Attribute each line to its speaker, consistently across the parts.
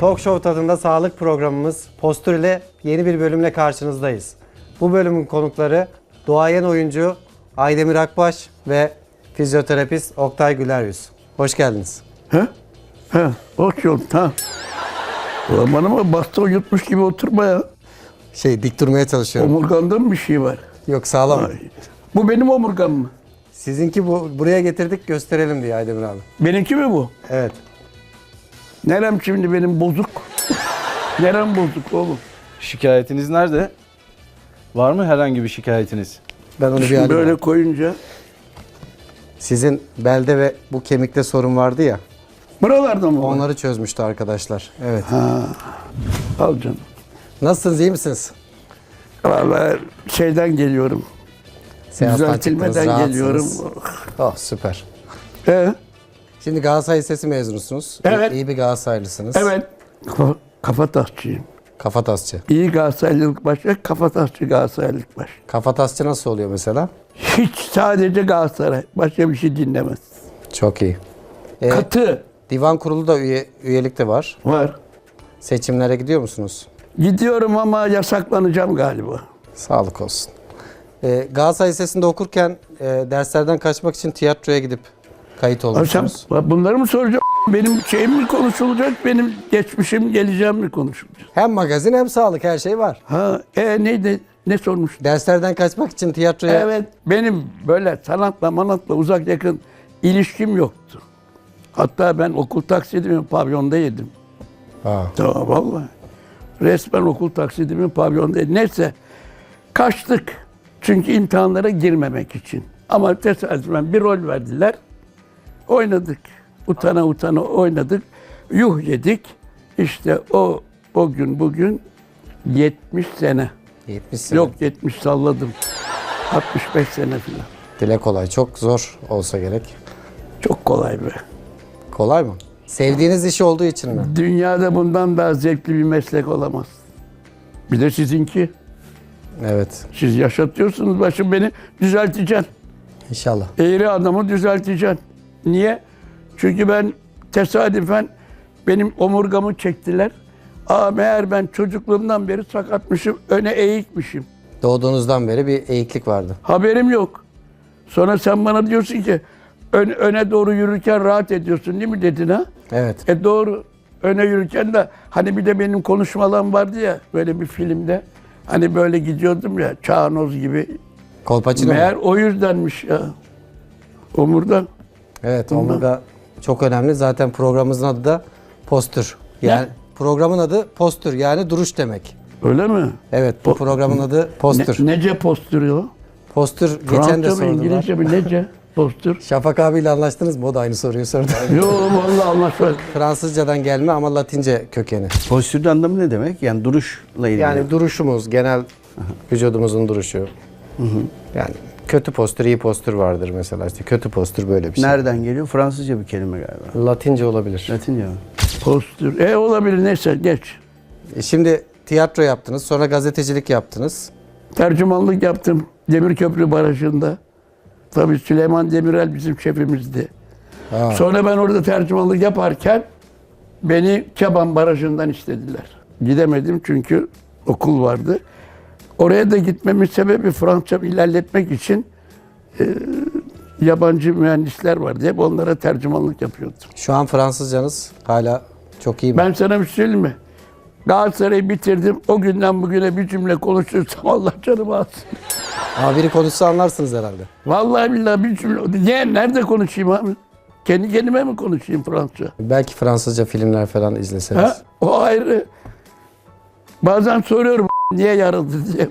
Speaker 1: Talk Show tadında sağlık programımız Postür ile yeni bir bölümle karşınızdayız. Bu bölümün konukları duayen oyuncu Aydemir Akbaş ve fizyoterapist Oktay Güleryüz. Hoş geldiniz.
Speaker 2: He, hoş geldin. Ha. Ulan bana mı baston yutmuş gibi oturma ya.
Speaker 1: Dik durmaya çalışıyorum.
Speaker 2: Omurganda mı bir şey var?
Speaker 1: Yok, sağlam.
Speaker 2: Ay. Bu benim omurgam mı?
Speaker 1: Sizinki buraya getirdik, gösterelim diye Aydemir abi.
Speaker 2: Benimki mi bu?
Speaker 1: Evet.
Speaker 2: Nerem şimdi benim bozuk? Nerem bozuk oğlum?
Speaker 3: Şikayetiniz nerede? Var mı herhangi bir şikayetiniz?
Speaker 1: Ben onu bir
Speaker 2: Şimdi
Speaker 1: alayım.
Speaker 2: böyle koyunca
Speaker 1: Sizin belde ve bu kemikte sorun vardı ya.
Speaker 2: buralarda mı var?
Speaker 1: Onları çözmüştü arkadaşlar. Evet.
Speaker 2: Al canım.
Speaker 1: Nasılsınız, iyi misiniz?
Speaker 2: Vallahi şeyden geliyorum.
Speaker 1: Seyahatten
Speaker 2: Düzeltilmeden
Speaker 1: çıktınız, rahatsınız.
Speaker 2: geliyorum.
Speaker 1: Oh, süper.
Speaker 2: Şimdi
Speaker 1: Galatasaray Lisesi mezunusunuz.
Speaker 2: Evet.
Speaker 1: İyi bir Galatasaraylısınız.
Speaker 2: evet. Kafatasçıyım.
Speaker 1: Kafatasçı.
Speaker 2: İyi Galatasaraylılık başka, kafatasçı Galatasaraylılık başka.
Speaker 1: Kafatasçı nasıl oluyor mesela?
Speaker 2: Hiç sadece Galatasaray. Başka bir şey dinlemez.
Speaker 1: Çok iyi.
Speaker 2: Katı
Speaker 1: Divan kurulu da üyelik de var.
Speaker 2: var.
Speaker 1: Seçimlere gidiyor musunuz?
Speaker 2: Gidiyorum ama yasaklanacağım galiba.
Speaker 1: Sağlık olsun. Galatasaray Lisesi'nde okurken derslerden kaçmak için tiyatroya gidip kayıt
Speaker 2: Abi sen
Speaker 1: olmuşsunuz.
Speaker 2: bunları mı soracağım? Benim şeyim mi konuşulacak? Benim geçmişim, geleceğim mi konuşulacak?
Speaker 1: Hem magazin hem sağlık, her şey var.
Speaker 2: Neydi? Ne sormuş?
Speaker 1: Derslerden kaçmak için tiyatroya...
Speaker 2: Evet, benim böyle sanatla uzak yakın ilişkim yoktu. Hatta ben okul taksidimi pavyonda yedim.
Speaker 1: Ha.
Speaker 2: Tamam vallahi. Resmen okul taksidimi pavyonda yedim. Neyse kaçtık. Çünkü imtihanlara girmemek için. Ama tesadüfen bir rol verdiler. Oynadık. Utana utana oynadık. Yuh yedik. İşte o gün bugün 70 sene.
Speaker 1: 70 sene.
Speaker 2: Yok 70 salladım. 65 sene falan.
Speaker 1: Dile kolay. Çok zor olsa gerek.
Speaker 2: Çok kolay be.
Speaker 1: Kolay mı? Sevdiğiniz işi olduğu için mi?
Speaker 2: Dünyada bundan daha zevkli bir meslek olamaz. Bir de sizinki.
Speaker 1: Evet.
Speaker 2: Siz yaşatıyorsunuz başım, beni düzelteceksin.
Speaker 1: İnşallah.
Speaker 2: Eğri adamı düzelteceksin. Niye? Çünkü ben tesadüfen benim omurgamı çektiler. Meğer ben çocukluğumdan beri sakatmışım, öne eğikmişim.
Speaker 1: Doğduğunuzdan beri bir eğiklik vardı.
Speaker 2: Haberim yok. Sonra sen bana diyorsun ki öne doğru yürürken rahat ediyorsun değil mi dedin ha?
Speaker 1: Evet.
Speaker 2: Doğru. Öne yürürken de hani bir de benim konuşmalarım vardı ya böyle bir filmde. Hani böyle gidiyordum ya Çağnoz gibi.
Speaker 1: Kolpaçino mu?
Speaker 2: Meğer o yüzdenmiş ya. Omurdan.
Speaker 1: Evet, omurga çok önemli. Zaten programımızın adı da postür. Yani programın adı postür, yani duruş demek.
Speaker 2: Öyle mi?
Speaker 1: Evet, bu programın adı postür.
Speaker 2: Nece postürü o?
Speaker 1: Postür geçen de
Speaker 2: Fransızca mı,
Speaker 1: sordular.
Speaker 2: İngilizce mi, nece postür?
Speaker 1: Şafak abiyle anlaştınız mı? O da aynı soruyu sordu.
Speaker 2: Yok vallahi anlaşılmaz.
Speaker 1: Fransızcadan gelme ama Latince kökeni.
Speaker 3: Postürde anlamı ne demek? Yani duruşla ilgili.
Speaker 1: Yani duruşumuz, genel vücudumuzun duruşu. Yani kötü postür, iyi postür vardır mesela. İşte kötü postür böyle bir şey.
Speaker 3: Nereden geliyor? Fransızca bir kelime galiba.
Speaker 1: Latince olabilir.
Speaker 3: Latince mi?
Speaker 2: Postür. Olabilir neyse geç.
Speaker 1: Şimdi tiyatro yaptınız, sonra gazetecilik yaptınız.
Speaker 2: Tercümanlık yaptım Demirköprü Barajı'nda. Tabii Süleyman Demirel bizim şefimizdi.
Speaker 1: Ha.
Speaker 2: Sonra ben orada tercümanlık yaparken beni Keban Barajı'ndan istediler. Gidemedim çünkü okul vardı. Oraya da gitmemin sebebi Fransızca ilerletmek için yabancı mühendisler vardı. Hep onlara tercümanlık yapıyordum.
Speaker 1: Şu an Fransızcanız hala çok iyi mi?
Speaker 2: Ben sana bir şey söyleyeyim mi? Galatasaray'ı bitirdim. O günden bugüne bir cümle konuşursam Allah canımı alsın.
Speaker 1: Ama biri konuşsa anlarsınız herhalde.
Speaker 2: Vallahi billahi bir cümle. Niye? Nerede konuşayım abi? Kendi kendime mi konuşayım Fransızca?
Speaker 1: Belki Fransızca filmler falan izleseniz.
Speaker 2: O ayrı. Bazen soruyorum niye yaradı diye.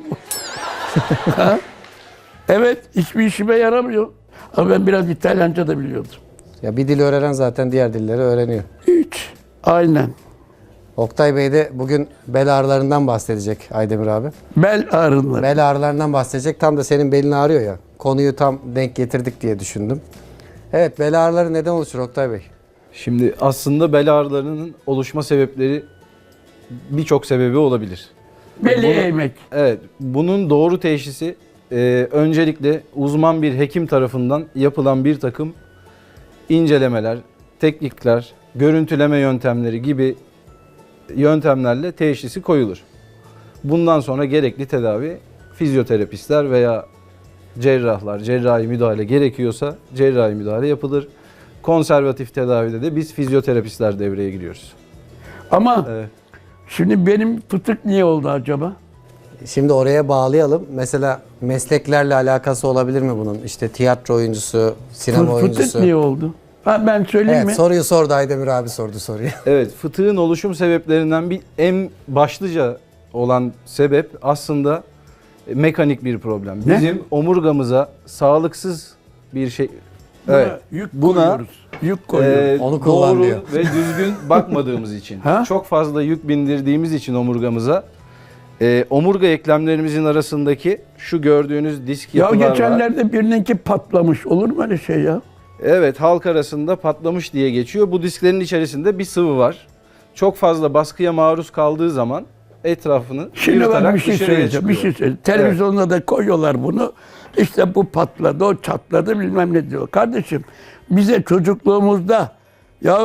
Speaker 2: Ha? Evet, hiçbir işime yaramıyor. Ama ben biraz İtalyanca da biliyordum.
Speaker 1: Ya bir dil öğrenen zaten diğer dilleri öğreniyor.
Speaker 2: Hiç. Aynen.
Speaker 1: Oktay Bey de bugün bel ağrılarından bahsedecek Aydemir abi.
Speaker 2: Bel ağrınları.
Speaker 1: Bel ağrılarından bahsedecek. Tam da senin belin ağrıyor ya. Konuyu tam denk getirdik diye düşündüm. Evet, bel ağrıları neden oluşur Oktay Bey?
Speaker 3: Şimdi aslında bel ağrılarının oluşma sebepleri birçok sebebi olabilir.
Speaker 2: Beli eğmek.
Speaker 3: Evet, bunun doğru teşhisi öncelikle uzman bir hekim tarafından yapılan bir takım incelemeler, teknikler, görüntüleme yöntemleri gibi yöntemlerle teşhisi koyulur. Bundan sonra gerekli tedavi fizyoterapistler veya cerrahlar, cerrahi müdahale gerekiyorsa cerrahi müdahale yapılır. Konservatif tedavide de biz fizyoterapistler devreye giriyoruz.
Speaker 2: Ama
Speaker 3: Evet.
Speaker 2: şimdi benim fıtık niye oldu acaba?
Speaker 1: Şimdi oraya bağlayalım. Mesela mesleklerle alakası olabilir mi bunun? İşte tiyatro oyuncusu, sinema
Speaker 2: Fıtık
Speaker 1: oyuncusu.
Speaker 2: niye oldu? Ha, ben söyleyeyim
Speaker 1: Evet,
Speaker 2: mi?
Speaker 1: soruyu sordu Aydemir abi sordu soruyu.
Speaker 3: Evet, fıtığın oluşum sebeplerinden en başlıca olan sebep aslında mekanik bir problem.
Speaker 2: Ne?
Speaker 3: Bizim omurgamıza sağlıksız bir şey
Speaker 2: Buna yük koyuyoruz. Yük koyuyoruz.
Speaker 1: Onu kullan
Speaker 3: doğru
Speaker 1: diyor.
Speaker 3: ve düzgün bakmadığımız için,
Speaker 2: Ha?
Speaker 3: çok fazla yük bindirdiğimiz için omurgamıza, omurga eklemlerimizin arasındaki şu gördüğünüz disk
Speaker 2: Ya
Speaker 3: yapılar var.
Speaker 2: geçenlerde birininki patlamış. Olur mu öyle şey ya?
Speaker 3: Evet, halk arasında patlamış diye geçiyor. Bu disklerin içerisinde bir sıvı var. Çok fazla baskıya maruz kaldığı zaman etrafını
Speaker 2: Şimdi ben
Speaker 3: yırtarak
Speaker 2: bir şey
Speaker 3: dışarıya
Speaker 2: söyleyeceğim. Bir
Speaker 3: çıkıyor.
Speaker 2: şey söyleyeceğim. Televizyonda da koyuyorlar bunu. İşte bu patladı, o çatladı bilmem ne diyor. Kardeşim bize çocukluğumuzda ya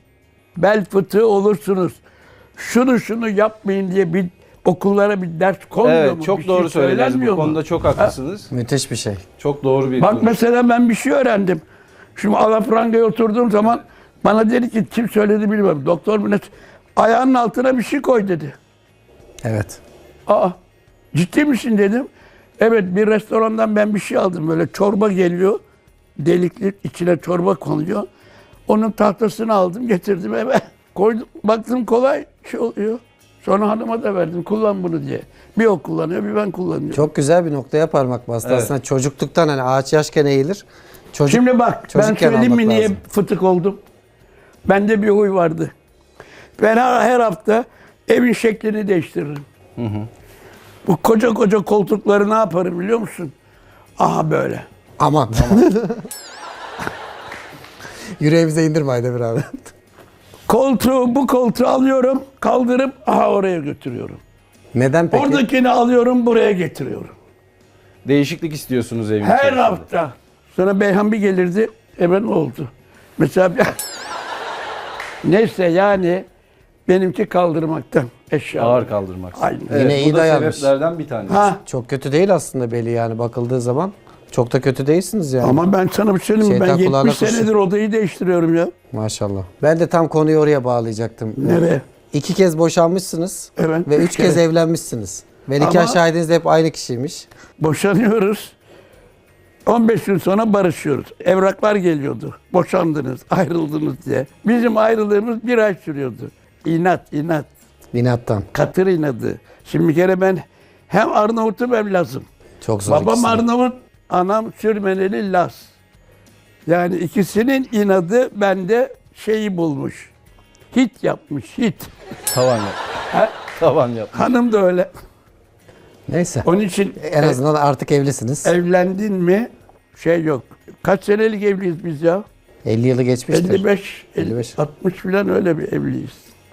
Speaker 2: bel fıtığı olursunuz. Şunu yapmayın diye bir okullara bir ders konmuyor mu?
Speaker 3: Evet, çok
Speaker 2: Bir
Speaker 3: doğru
Speaker 2: şey
Speaker 3: söylediniz.
Speaker 2: söylenmiyor
Speaker 3: Bu
Speaker 2: mu?
Speaker 3: konuda çok haklısınız.
Speaker 1: Müthiş bir şey.
Speaker 3: Çok doğru bir
Speaker 2: Bak
Speaker 3: konu.
Speaker 2: mesela ben bir şey öğrendim. Şimdi alafrangaya oturduğum zaman bana dedi ki kim söyledi bilmiyorum. Doktor mu ne? Ayağının altına bir şey koy dedi.
Speaker 1: Evet.
Speaker 2: Aa, ciddi misin dedim. Evet, bir restorandan ben bir şey aldım. Böyle çorba geliyor. Delikli, içine çorba konuluyor. Onun tahtasını aldım, getirdim eve. Koydum, baktım kolay şey oluyor. Sonra hanıma da verdim, kullan bunu diye. Bir o kullanıyor, bir ben kullanıyorum.
Speaker 1: Çok güzel bir noktaya parmak bastı.
Speaker 3: Evet.
Speaker 1: Aslında çocukluktan hani ağaç yaşken eğilir.
Speaker 2: Şimdi bak, ben
Speaker 1: çocukken
Speaker 2: söyleyeyim mi
Speaker 1: almak
Speaker 2: niye
Speaker 1: lazım.
Speaker 2: fıtık oldum? Bende bir huy vardı. Ben her hafta evin şeklini değiştiririm. Bu koca koca koltukları ne yaparım biliyor musun? Aha böyle.
Speaker 1: Aman. Yüreğimize indirme Aydemir abi.
Speaker 2: Bu koltuğu alıyorum, kaldırıp aha oraya götürüyorum.
Speaker 1: Neden peki?
Speaker 2: Oradakini alıyorum, buraya getiriyorum.
Speaker 3: Değişiklik istiyorsunuz evin
Speaker 2: Her
Speaker 3: içerisinde.
Speaker 2: hafta. Sonra Beyhan bir gelirdi, ne oldu? Mesela neyse yani benimki kaldırmaktan eşya.
Speaker 3: Ağır kaldırmak.
Speaker 2: Aynen.
Speaker 1: Yine iyi
Speaker 3: bu da
Speaker 1: dayanmış.
Speaker 3: sebeplerden bir tanesi.
Speaker 2: Ha,
Speaker 1: Çok kötü değil aslında beli yani bakıldığı zaman. Çok da kötü değilsiniz yani.
Speaker 2: ama ben sana bir şey söyleyeyim mi? Ben
Speaker 1: Şeytan kulağına
Speaker 2: 70
Speaker 1: kurşun.
Speaker 2: senedir odayı değiştiriyorum ya.
Speaker 1: Maşallah. Ben de tam konuyu oraya bağlayacaktım.
Speaker 2: Nereye?
Speaker 1: 2 kez boşanmışsınız
Speaker 2: Evet,
Speaker 1: ve
Speaker 2: 3
Speaker 1: 3 kez
Speaker 2: kere.
Speaker 1: evlenmişsiniz. Ve
Speaker 2: Ama-
Speaker 1: nikah şahidiniz de hep aynı kişiymiş.
Speaker 2: Boşanıyoruz. 15 gün sonra barışıyoruz. Evraklar geliyordu. Boşandınız, ayrıldınız diye. Bizim ayrılığımız 1 ay sürüyordu. İnat.
Speaker 1: İnattan.
Speaker 2: Katır inadı. Şimdi bir kere ben hem Arnavut'um hem Laz'ım.
Speaker 1: Çok zor
Speaker 2: Babam
Speaker 1: ikisi de.
Speaker 2: Arnavut, anam Sürmeneli Laz. Yani ikisinin inadı bende şeyi bulmuş. Hit yapmış, hit.
Speaker 3: Tavan yap.
Speaker 2: Ha,
Speaker 3: Tavan yap.
Speaker 2: hanım da öyle.
Speaker 1: Neyse.
Speaker 2: Onun için
Speaker 1: En azından artık evlisiniz.
Speaker 2: evlendin mi şey yok. Kaç senelik evliyiz biz ya?
Speaker 1: 50 yılı geçmiştir.
Speaker 2: 55,
Speaker 1: 55.
Speaker 2: 60 falan öyle bir evliyiz.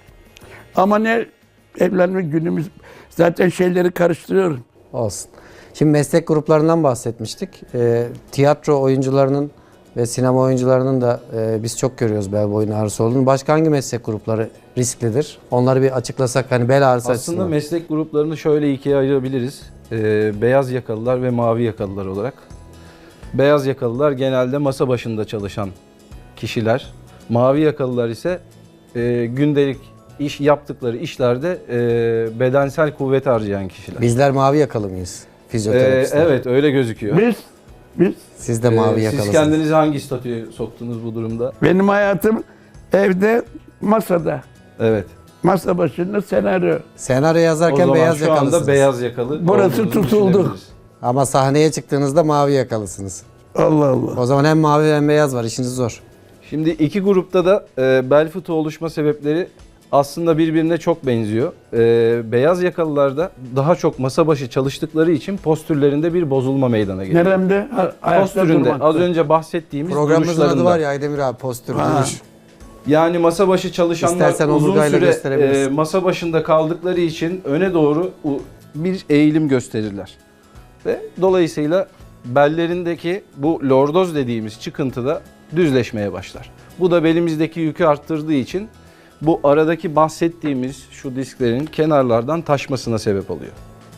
Speaker 2: Ama ne evlenme günümüz, zaten şeyleri karıştırıyorum.
Speaker 1: Olsun. Şimdi meslek gruplarından bahsetmiştik. Tiyatro oyuncularının ve sinema oyuncularının da biz çok görüyoruz bel boyun ağrısı olduğunu. Başka hangi meslek grupları risklidir? Onları bir açıklasak hani bel ağrısı
Speaker 3: Aslında
Speaker 1: açısından.
Speaker 3: meslek gruplarını şöyle ikiye ayırabiliriz. Beyaz yakalılar ve mavi yakalılar olarak. Beyaz yakalılar genelde masa başında çalışan kişiler. Mavi yakalılar ise gündelik iş yaptıkları işlerde bedensel kuvvet harcayan kişiler.
Speaker 1: Bizler mavi yakalı mıyız? Fizyoterapistler.
Speaker 3: Evet, öyle gözüküyor.
Speaker 2: Biz
Speaker 1: Siz de mavi
Speaker 3: Siz
Speaker 1: yakalısınız.
Speaker 3: kendinizi hangi statüye soktunuz bu durumda?
Speaker 2: benim hayatım evde masada.
Speaker 3: Evet.
Speaker 2: Masa başında senaryo.
Speaker 1: Senaryo
Speaker 3: O
Speaker 1: yazarken
Speaker 3: zaman
Speaker 1: beyaz
Speaker 3: şu
Speaker 1: yakalısınız.
Speaker 3: anda beyaz yakalı.
Speaker 2: Burası
Speaker 3: olduğunuzu
Speaker 2: tutuldu.
Speaker 3: düşünebiliriz.
Speaker 1: Ama sahneye çıktığınızda mavi yakalısınız.
Speaker 2: Allah Allah.
Speaker 1: O zaman hem mavi hem beyaz var. İşiniz zor.
Speaker 3: Şimdi iki grupta da bel fıtığı oluşma sebepleri aslında birbirine çok benziyor. Beyaz yakalılarda daha çok masa başı çalıştıkları için postürlerinde bir bozulma meydana geliyor.
Speaker 2: Neremde? Ayakta
Speaker 3: Postüründe
Speaker 2: durmakta.
Speaker 3: az önce bahsettiğimiz
Speaker 1: Programımızın adı
Speaker 3: duruşlarında.
Speaker 1: var ya Aydemir abi postür,
Speaker 2: Ha.
Speaker 1: duruş.
Speaker 3: Yani masa başı çalışanlar
Speaker 1: İstersen
Speaker 3: uzun
Speaker 1: omurgayla
Speaker 3: süre
Speaker 1: gösterebilirsin.
Speaker 3: masa başında kaldıkları için öne doğru bir eğilim gösterirler. Ve dolayısıyla bellerindeki bu lordoz dediğimiz çıkıntı da düzleşmeye başlar. Bu da belimizdeki yükü arttırdığı için bu aradaki bahsettiğimiz şu disklerin kenarlardan taşmasına sebep oluyor.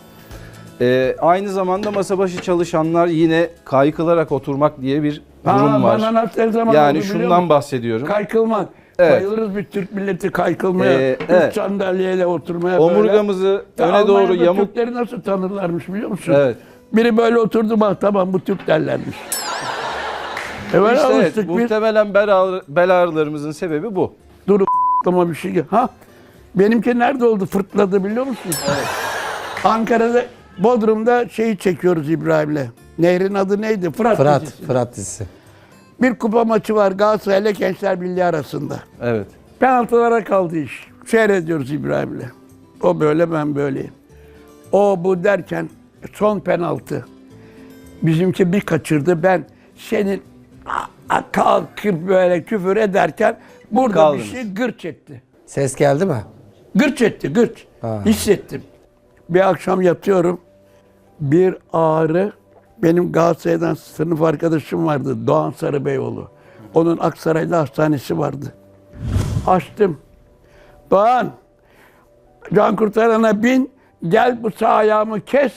Speaker 3: Aynı zamanda masa başı çalışanlar yine kaykılarak oturmak diye bir durum var.
Speaker 2: Bana nasıl her zaman
Speaker 3: Yani
Speaker 2: oldu biliyor
Speaker 3: şundan
Speaker 2: musun?
Speaker 3: bahsediyorum.
Speaker 2: Kaykılmak.
Speaker 3: Evet.
Speaker 2: Bayılırız bir Türk milleti kaykılmaya.
Speaker 3: Evet.
Speaker 2: Üç sandalyeyle oturmaya böyle.
Speaker 3: Omurgamızı
Speaker 2: Ya
Speaker 3: öne doğru
Speaker 2: Almanya'da
Speaker 3: yamuk...
Speaker 2: Türkleri nasıl tanırlarmış biliyor musun?
Speaker 3: Evet.
Speaker 2: Biri böyle oturdu bak tamam bu Türk derlermiş. Böyle
Speaker 3: İşte evet,
Speaker 2: alıştık biz.
Speaker 3: muhtemelen bel ağrılarımızın sebebi bu.
Speaker 2: Dur ama bir şey. Ha benimki nerede oldu fırtladı biliyor musun? Evet. Ankara'da Bodrum'da şeyi çekiyoruz İbrahim'le. Nehrin adı neydi? Fırat dizisi.
Speaker 1: Fırat dizisi.
Speaker 2: Bir kupa maçı var Galatasaray ile Gençler Birliği arasında.
Speaker 3: Evet.
Speaker 2: Penaltılara kaldı iş. Seyrediyoruz İbrahim'le. O böyle ben böyleyim. O bu derken son penaltı. Bizimki bir kaçırdı. Ben senin kalkıp böyle küfür ederken burada
Speaker 3: Kaldınız.
Speaker 2: bir şey gırç etti.
Speaker 1: Ses geldi mi?
Speaker 2: Gırç etti, gırç.
Speaker 1: Ha.
Speaker 2: Hissettim. Bir akşam yatıyorum. Bir ağrı. Benim Galatasaray'dan sınıf arkadaşım vardı. Doğan Sarıbeyoğlu. Onun Aksaray'da hastanesi vardı. Açtım. Doğan, can kurtarana bin. Gel bu sağ ayağımı kes.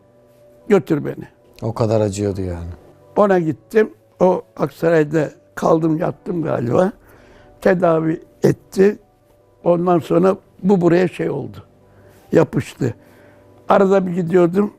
Speaker 2: Götür beni.
Speaker 1: O kadar acıyordu yani.
Speaker 2: Ona gittim. O Aksaray'da kaldım yattım galiba. Tedavi etti. Ondan sonra bu buraya şey oldu. Yapıştı. Arada bir gidiyordum.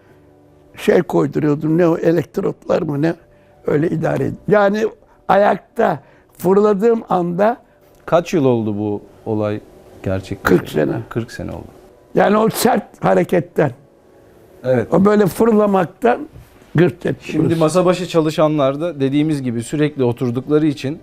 Speaker 2: Şey koyduruyordum. Ne o elektrotlar mı ne? Öyle idare edin. Yani ayakta fırladığım anda
Speaker 3: Kaç yıl oldu bu olay gerçekten?
Speaker 2: 40 sene.
Speaker 3: 40 sene oldu.
Speaker 2: Yani o sert hareketten,
Speaker 3: Evet.
Speaker 2: o böyle fırlamaktan gırt etti.
Speaker 3: Şimdi masa başı çalışanlarda dediğimiz gibi sürekli oturdukları için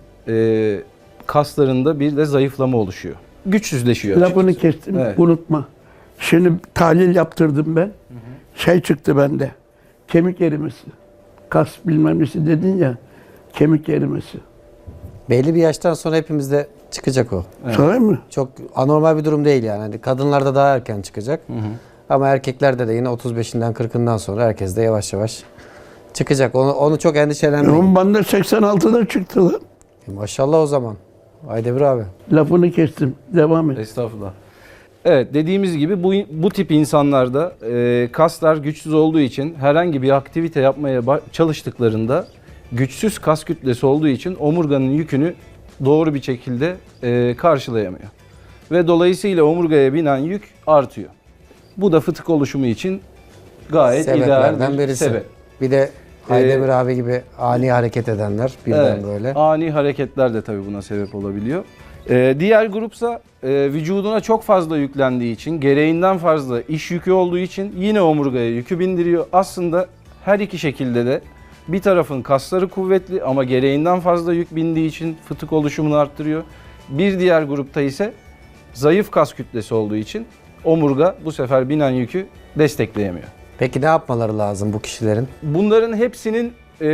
Speaker 3: kaslarında bir de zayıflama oluşuyor. Güçsüzleşiyor.
Speaker 2: Lafını
Speaker 3: açıkçası.
Speaker 2: kestim,
Speaker 3: Evet.
Speaker 2: unutma. Şimdi tahlil yaptırdım ben. Şey çıktı bende, kemik erimesi. Kas bilmem nesi dedin ya, kemik erimesi.
Speaker 1: Belli bir yaştan sonra hepimizde çıkacak o.
Speaker 3: Evet.
Speaker 2: Sahi mi?
Speaker 1: Çok anormal bir durum değil yani. Hani kadınlarda daha erken çıkacak. Ama erkeklerde de yine 35'inden 40'ından sonra herkes de yavaş yavaş çıkacak. Onu çok endişelenmeyin.
Speaker 2: Ama bende 86'da çıktı lan.
Speaker 1: Maşallah o zaman. Aydemir abi.
Speaker 2: Lafını kestim, devam et.
Speaker 3: Estağfurullah. Evet, dediğimiz gibi bu tip insanlarda kaslar güçsüz olduğu için herhangi bir aktivite yapmaya çalıştıklarında güçsüz kas kütlesi olduğu için omurganın yükünü doğru bir şekilde karşılayamıyor. Ve dolayısıyla omurgaya binen yük artıyor. Bu da fıtık oluşumu için gayet ideal
Speaker 1: Sebeplerden
Speaker 3: bir
Speaker 1: birisi.
Speaker 3: sebep.
Speaker 1: Bir de Aydemir abi gibi ani hareket edenler birden
Speaker 3: Evet,
Speaker 1: böyle.
Speaker 3: ani hareketler de tabii buna sebep olabiliyor. Diğer grupsa vücuduna çok fazla yüklendiği için, gereğinden fazla iş yükü olduğu için yine omurgaya yükü bindiriyor. Aslında her iki şekilde de bir tarafın kasları kuvvetli ama gereğinden fazla yük bindiği için fıtık oluşumunu arttırıyor. Bir diğer grupta ise zayıf kas kütlesi olduğu için omurga bu sefer binen yükü destekleyemiyor.
Speaker 1: Peki ne yapmaları lazım bu kişilerin?
Speaker 3: Bunların hepsinin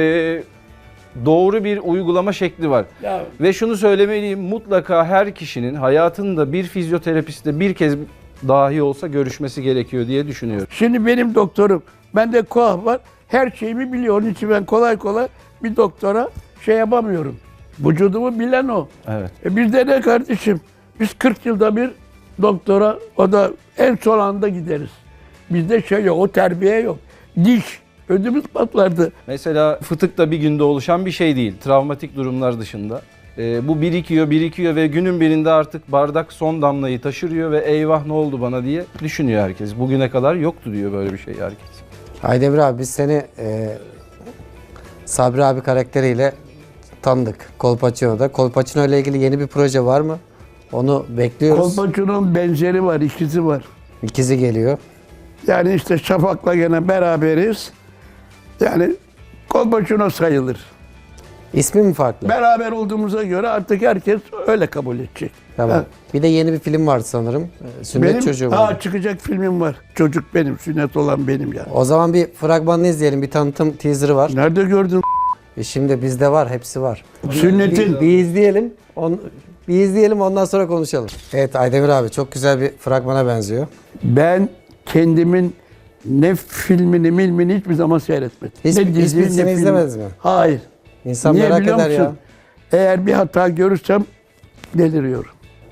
Speaker 3: doğru bir uygulama şekli var.
Speaker 2: Ya,
Speaker 3: Ve şunu söylemeliyim, mutlaka her kişinin hayatında bir fizyoterapistle bir kez dahi olsa görüşmesi gerekiyor diye düşünüyorum.
Speaker 2: şimdi benim doktorum, bende koah var, her şeyimi biliyor. Onun için ben kolay kolay bir doktora şey yapamıyorum. Vücudumu bilen o.
Speaker 3: Evet.
Speaker 2: Bizde ne kardeşim? Biz 40 yılda bir doktora, o da en son anda gideriz. Bizde şey yok, o terbiye yok. Diş, ödümüz patlardı.
Speaker 3: Mesela fıtık da bir günde oluşan bir şey değil. Travmatik durumlar dışında. Bu birikiyor ve günün birinde artık bardak son damlayı taşırıyor ve eyvah ne oldu bana diye düşünüyor herkes. Bugüne kadar yoktu diyor böyle bir şey herkes.
Speaker 1: Aydemir abi biz seni Sabri abi karakteriyle tanıdık Kolpaçino'da. Kolpaçino ile ilgili yeni bir proje var mı? Onu bekliyoruz.
Speaker 2: Kolpaçino'nun benzeri var, ikizi var.
Speaker 1: İkizi geliyor.
Speaker 2: Yani işte Şafak'la gene beraberiz. Yani Kolpaçino sayılır.
Speaker 1: İsmi mi farklı?
Speaker 2: Beraber olduğumuza göre artık herkes öyle kabul edecek.
Speaker 1: Tamam.
Speaker 2: Ha.
Speaker 1: Bir de yeni bir film var sanırım. Sünnet Çocuğu var.
Speaker 2: Çıkacak filmim var. Çocuk benim, sünnet olan benim yani.
Speaker 1: O zaman bir fragmanını izleyelim. Bir tanıtım teaser'ı var.
Speaker 2: Nerede gördün?
Speaker 1: Şimdi bizde var, hepsi var.
Speaker 2: Sünnetin.
Speaker 1: Bir izleyelim. Bir izleyelim ondan sonra konuşalım. Evet Aydemir abi çok güzel bir fragmana benziyor.
Speaker 2: Ben kendimin ne filmini hiçbir zaman seyretmedim.
Speaker 1: Hiçbirisini izlemediniz mi?
Speaker 2: Hayır.
Speaker 1: İnsan
Speaker 2: Niye
Speaker 1: merak
Speaker 2: biliyor
Speaker 1: eder
Speaker 2: musun?
Speaker 1: ya.
Speaker 2: Eğer bir hata görürsem deliriyorum.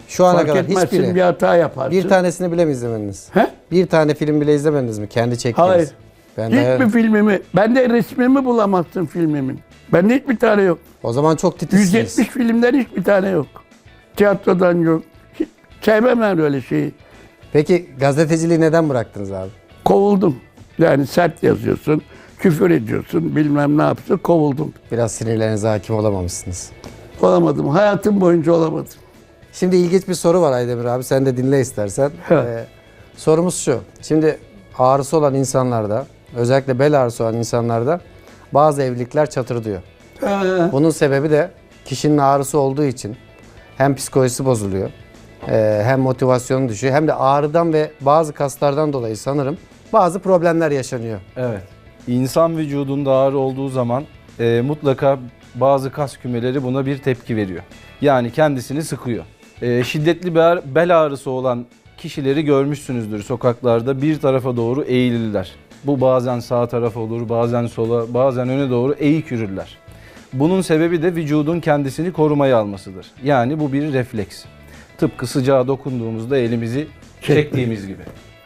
Speaker 1: Şu ana
Speaker 2: Fark
Speaker 1: kadar
Speaker 2: etmezsin,
Speaker 1: hiçbiri.
Speaker 2: bir hata yaparsın.
Speaker 1: Bir tanesini bile mi izlemediniz?
Speaker 2: He?
Speaker 1: Bir tane film bile izlemediniz mi? Kendi çektiğiniz.
Speaker 2: Hayır.
Speaker 1: Ben
Speaker 2: Hiçbir filmimi, ben de resmimi bulamazsın filmimin. Bende hiçbir tane yok.
Speaker 1: O zaman çok titizsiniz.
Speaker 2: 170 filmden hiçbir tane yok. Tiyatrodan yok. Hiç sevmem ben öyle şeyi.
Speaker 1: Peki gazeteciliği neden bıraktınız abi?
Speaker 2: Kovuldum. Yani sert yazıyorsun, küfür ediyorsun, bilmem ne yapıyorsun, kovuldum.
Speaker 1: Biraz sinirlerinize hakim olamamışsınız.
Speaker 2: Olamadım. Hayatım boyunca olamadım.
Speaker 1: Şimdi ilginç bir soru var Aydemir abi. Sen de dinle istersen.
Speaker 2: Evet.
Speaker 1: Sorumuz şu. Şimdi ağrısı olan insanlarda, özellikle bel ağrısı olan insanlarda bazı evlilikler çatırdıyor. Bunun sebebi de kişinin ağrısı olduğu için hem psikolojisi bozuluyor, hem motivasyonu düşüyor, hem de ağrıdan ve bazı kaslardan dolayı sanırım bazı problemler yaşanıyor.
Speaker 3: Evet. İnsan vücudunda ağrı olduğu zaman mutlaka bazı kas kümeleri buna bir tepki veriyor. Yani kendisini sıkıyor. Şiddetli bel ağrısı olan kişileri görmüşsünüzdür sokaklarda, bir tarafa doğru eğilirler. Bu bazen sağ tarafa olur, bazen sola, bazen öne doğru eğik yürürler. Bunun sebebi de vücudun kendisini korumaya almasıdır. Yani bu bir refleks. Tıpkı sıcağa dokunduğumuzda elimizi çektiğimiz gibi.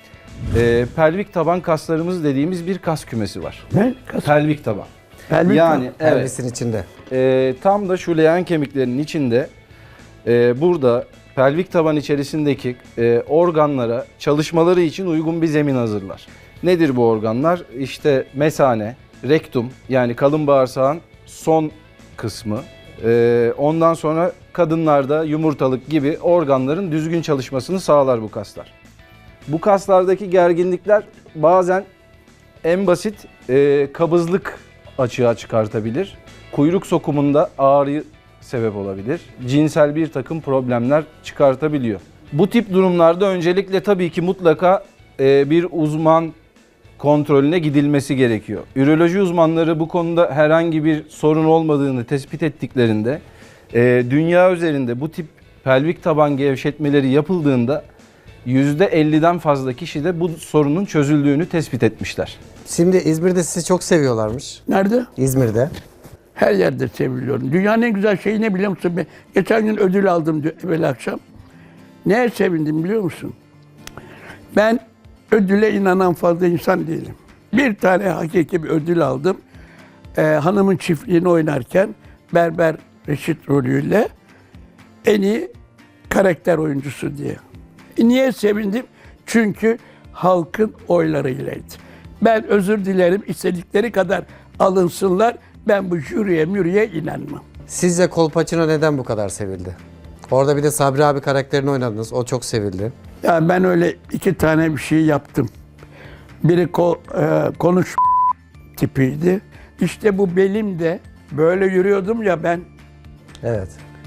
Speaker 3: Pelvik taban kaslarımız dediğimiz bir kas kümesi var.
Speaker 2: Ne?
Speaker 3: Pelvik taban.
Speaker 2: Pelvik
Speaker 3: Yani
Speaker 2: taban.
Speaker 3: evet,
Speaker 1: Pelvisin içinde.
Speaker 3: tam da şu leğen kemiklerinin içinde burada pelvik taban içerisindeki organlara çalışmaları için uygun bir zemin hazırlar. Nedir bu organlar? İşte mesane, rektum yani kalın bağırsağın son kısmı. Ondan sonra kadınlarda yumurtalık gibi organların düzgün çalışmasını sağlar bu kaslar. Bu kaslardaki gerginlikler bazen en basit kabızlık açığa çıkartabilir. Kuyruk sokumunda ağrı sebep olabilir. Cinsel bir takım problemler çıkartabiliyor. Bu tip durumlarda öncelikle tabii ki mutlaka bir uzman kontrolüne gidilmesi gerekiyor. Üroloji uzmanları bu konuda herhangi bir sorun olmadığını tespit ettiklerinde dünya üzerinde bu tip pelvik taban gevşetmeleri yapıldığında %50'den fazla kişi de bu sorunun çözüldüğünü tespit etmişler.
Speaker 1: Şimdi İzmir'de sizi çok seviyorlarmış.
Speaker 2: Nerede?
Speaker 1: İzmir'de.
Speaker 2: Her yerde seviliyorum. Dünyanın en güzel şeyi ne biliyor musun? Ben geçen gün ödül aldım evvel akşam. Neye sevindim biliyor musun? Ben ödüle inanan fazla insan değilim. Bir tane hakiki bir ödül aldım. Hanımın çiftliğini oynarken Berber Reşit rolüyle en iyi karakter oyuncusu diye. Niye sevindim? Çünkü halkın oylarıylaydı. Ben özür dilerim, istedikleri kadar alınsınlar. Ben bu jüriye inanmam.
Speaker 1: Sizce Kolpaçino neden bu kadar sevildi? Orada bir de Sabri abi karakterini oynadınız. O çok sevildi.
Speaker 2: Ya ben öyle iki tane bir şey yaptım. Biri konuş tipiydi. İşte bu belim de böyle yürüyordum ya ben.
Speaker 1: Evet.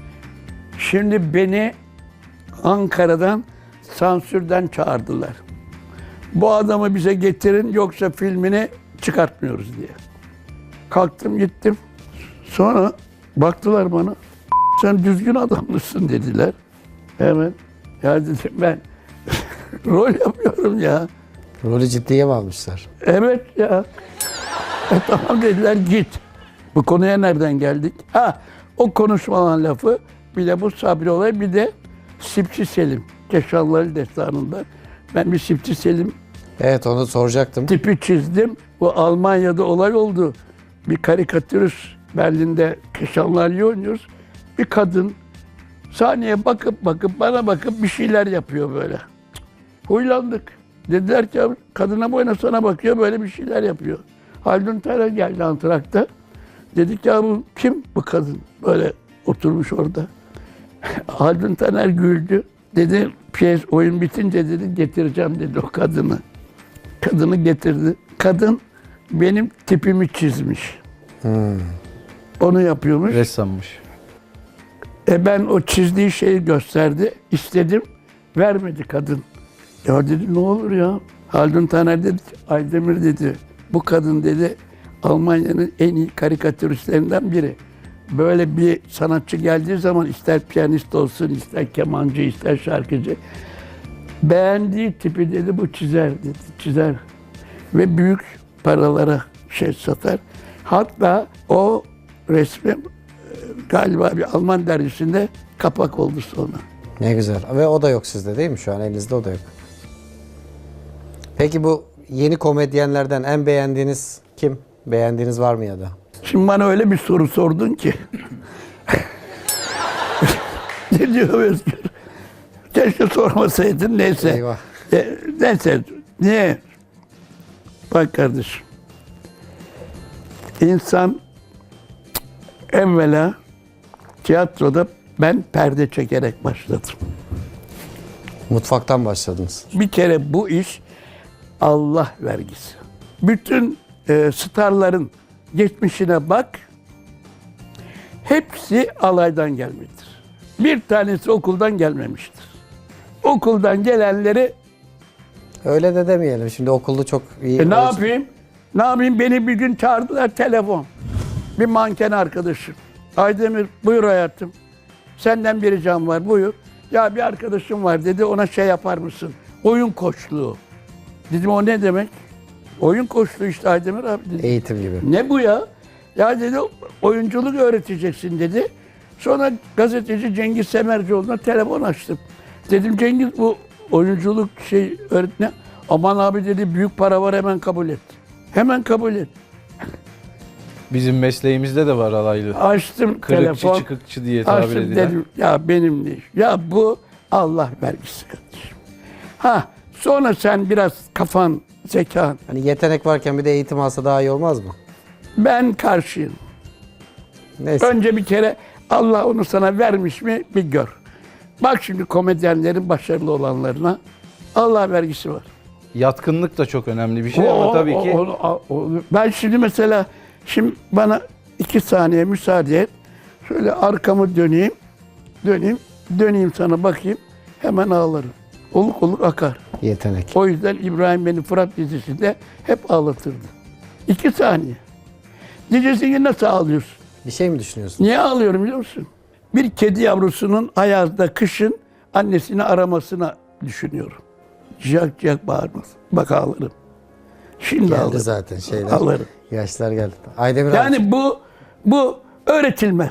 Speaker 2: Şimdi beni Ankara'dan sansürden çağırdılar. Bu adamı bize getirin yoksa filmini çıkartmıyoruz diye. Kalktım gittim. Sonra baktılar bana. Sen düzgün adam mısın dediler. Hemen. Ya dedim ben rol yapıyorum ya.
Speaker 1: Rolü ciddiye mi almışlar?
Speaker 2: Evet ya. Tamam dediler git. Bu konuya nereden geldik? O konuşmalan lafı, bir de bu Sabri olay, bir de Sipçi Selim. Keşanlıları destanında. Ben bir Sipçi Selim
Speaker 1: Evet, onu soracaktım.
Speaker 2: tipi çizdim. Bu Almanya'da olay oldu. Bir karikatürist Berlin'de Keşanlıları oynuyoruz. Bir kadın sahneye bakıp bana bakıp bir şeyler yapıyor böyle. Huylandık. Dediler ki kadına boyuna sana bakıyor böyle bir şeyler yapıyor. Haldun Taner geldi antrakta. Dedik ya bu kim bu kadın? Böyle oturmuş orada. Haldun Taner güldü. Dedi piyes oyun bitince dedi getireceğim dedi o kadını. Kadını getirdi. Kadın benim tipimi çizmiş. Onu yapıyormuş.
Speaker 3: Ressammış.
Speaker 2: Ben o çizdiği şeyi gösterdi. İstedim. Vermedi kadın. Ya dedi ne olur ya. Haldun Taner dedi Aydemir dedi. Bu kadın dedi Almanya'nın en iyi karikatüristlerinden biri. Böyle bir sanatçı geldiği zaman ister piyanist olsun, ister kemancı, ister şarkıcı. Beğendiği tipi dedi bu çizer dedi. Çizer. Ve büyük paralara satar. Hatta o resmi galiba bir Alman dergisinde kapak oldu sonra.
Speaker 1: Ne güzel. Ve o da yok sizde değil mi? Şu an elinizde o da yok. Peki bu yeni komedyenlerden en beğendiğiniz kim? Beğendiğiniz var mı ya da?
Speaker 2: Şimdi bana öyle bir soru sordun ki. Ne diyor Özgür? Keşke sormasaydın, neyse.
Speaker 1: Eyvah.
Speaker 2: Neyse, niye? Bak kardeşim. İnsan evvela tiyatroda ben perde çekerek başladım.
Speaker 1: Mutfaktan başladınız.
Speaker 2: Bir kere bu iş Allah vergisi. Bütün starların geçmişine bak. Hepsi alaydan gelmedir. Bir tanesi okuldan gelmemiştir. Okuldan gelenleri
Speaker 1: Öyle de demeyelim. Şimdi okulda çok iyi.
Speaker 2: ne yapayım? Ne yapayım? Beni bir gün çağırdılar telefon. Bir manken arkadaşım. Aydemir buyur hayatım. Senden bir ricam var buyur. Ya bir arkadaşım var dedi, ona şey yapar mısın? Oyun koçluğu. Dedim o ne demek? Oyun koçluğu işte Aydemir abi dedi.
Speaker 1: Eğitim gibi.
Speaker 2: Ne bu ya? Ya dedi oyunculuk öğreteceksin dedi. Sonra gazeteci Cengiz Semercioğlu'na telefon açtım. Dedim Cengiz bu oyunculuk şey öğretmen. Aman abi dedi büyük para var hemen kabul et. Hemen kabul et.
Speaker 3: Bizim mesleğimizde de var alaylı.
Speaker 2: Açtım
Speaker 3: Kırıkçı
Speaker 2: telefon.
Speaker 3: çıkıkçı diye tabir
Speaker 2: Açtım
Speaker 3: edilen.
Speaker 2: dedim ya benim ne iş? Ya bu Allah vergisi kardeşim. Ha sonra sen biraz kafan, zekan.
Speaker 1: Hani yetenek varken bir de eğitim alsa daha iyi olmaz mı?
Speaker 2: Ben karşıyım.
Speaker 1: Neyse.
Speaker 2: Önce bir kere Allah onu sana vermiş mi bir gör. Bak şimdi komedyenlerin başarılı olanlarına Allah vergisi var.
Speaker 3: Yatkınlık da çok önemli bir şey ama tabii ki
Speaker 2: Ben şimdi mesela şimdi bana 2 saniye müsaade et. Şöyle arkamı döneyim sana bakayım. Hemen ağlarım. Oluk oluk akar.
Speaker 1: Yetenek.
Speaker 2: O yüzden İbrahim beni Fırat dizisinde hep ağlatırdı. 2 saniye. Diyeceksin nasıl ağlıyorsun?
Speaker 1: Bir şey mi düşünüyorsun?
Speaker 2: Niye ağlıyorum biliyor musun? Bir kedi yavrusunun ayazda kışın annesini aramasına düşünüyorum. Ciyak ciyak bağırmaz. Bak ağlarım. Şimdi
Speaker 1: Geldi
Speaker 2: ağlarım.
Speaker 1: zaten şeyler.
Speaker 2: Ağlarım.
Speaker 1: Yaşlar geldi. Aydemir abi.
Speaker 2: Yani bu öğretilmez.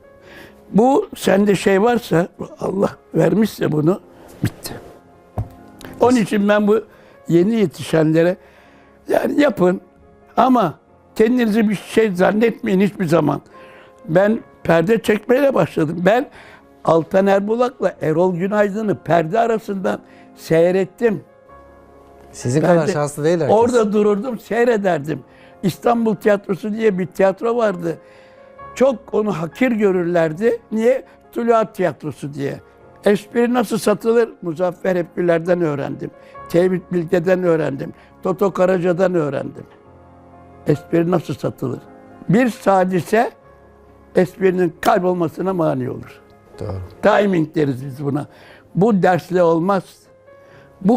Speaker 2: Bu sende şey varsa Allah vermişse bunu bitti. Onun için ben bu yeni yetişenlere yani yapın ama kendinizi bir şey zannetmeyin hiçbir zaman. Ben perde çekmeyle başladım. Ben Altan Erbulak'la Erol Günaydın'ı perde arasından seyrettim.
Speaker 1: Sizin
Speaker 2: Ben
Speaker 1: kadar
Speaker 2: de
Speaker 1: şanslı değil herkes.
Speaker 2: Orada dururdum, seyrederdim. İstanbul Tiyatrosu diye bir tiyatro vardı. Çok onu hakir görürlerdi. Niye? Tuluat Tiyatrosu diye. Espri nasıl satılır? Muzaffer Hepgüler'den öğrendim. Tevfik Bilge'den öğrendim. Toto Karaca'dan öğrendim. Espri nasıl satılır? Bir sadise esprinin kaybolmasına mani olur.
Speaker 1: Doğru.
Speaker 2: Timing deriz biz buna. Bu dersle olmaz. Bu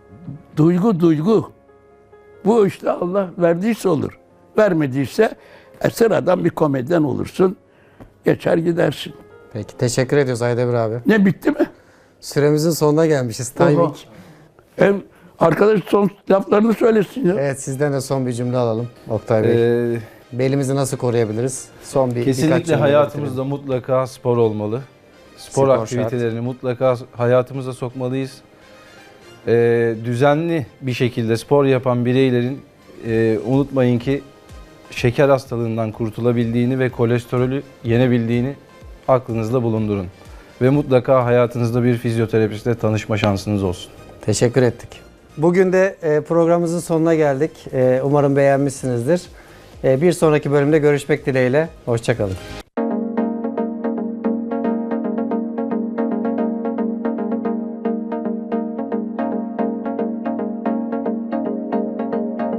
Speaker 2: duygu. Bu işte Allah verdiyse olur. Vermediyse sıradan bir komedyen olursun. Geçer gidersin.
Speaker 1: Peki teşekkür ediyoruz Aydemir abi.
Speaker 2: Ne bitti mi?
Speaker 1: Süremizin sonuna gelmişiz. Timing.
Speaker 2: Hem arkadaş son laflarını söylesin ya.
Speaker 1: Evet sizden de son bir cümle alalım Oktay Bey. Belimizi nasıl koruyabiliriz? Son birkaç
Speaker 3: kesinlikle
Speaker 1: cümle
Speaker 3: hayatımızda mutlaka spor olmalı. Spor
Speaker 1: Spor
Speaker 3: aktivitelerini mutlaka hayatımıza sokmalıyız. Düzenli bir şekilde spor yapan bireylerin unutmayın ki şeker hastalığından kurtulabildiğini ve kolesterolü yenebildiğini aklınızda bulundurun. Ve mutlaka hayatınızda bir fizyoterapistle tanışma şansınız olsun.
Speaker 1: Teşekkür ettik. Bugün de programımızın sonuna geldik. Umarım beğenmişsinizdir. Bir sonraki bölümde görüşmek dileğiyle. Hoşça kalın.